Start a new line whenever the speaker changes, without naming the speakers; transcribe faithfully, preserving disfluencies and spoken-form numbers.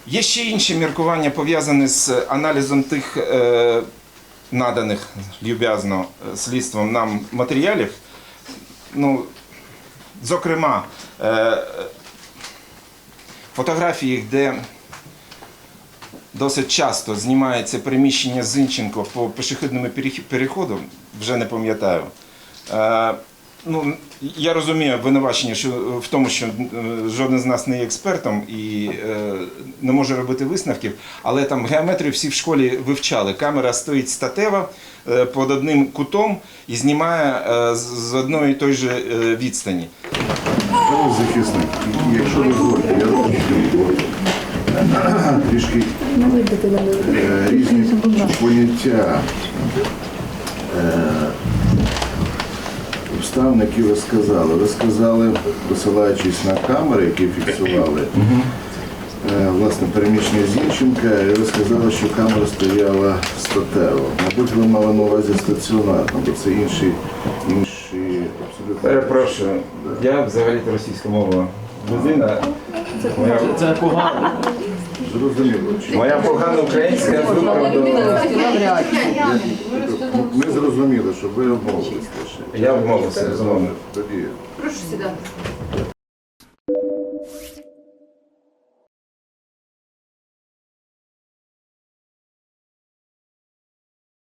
Є ще інші міркування, пов'язані з аналізом тих е, наданих люб'язно слідством нам матеріалів. Ну, зокрема, е, фотографії, де досить часто знімається переміщення Зінченко по пішохідному переходу, вже не пам'ятаю. Е, ну, я розумію обвинувачення що, в тому, що жоден з нас не є експертом і е, не може робити висновків, але там геометрію всі в школі вивчали. Камера стоїть статева е, під одним кутом і знімає е, з одної і той же е, відстані.
Пане захисник, якщо дозволите, я розумію, трішки е, різні поняття е, обставин, які ви сказали. Ви сказали, посилаючись на камери, які фіксували е, власне переміщення Зінченка, і ви сказали, що камера стояла статево. Мабуть, ви мали на увазі стаціонарно, бо це інші, інші абсолютно...
Перепрошую, я взагалі-то російська мова людина. Моя,
Це погано.
Зрозуміло.
моя погана українська виправдовувала.
Ми зрозуміли, що ви обмовились лише.
Я обмовився, безумовно.
Тоді
Прошу сідати.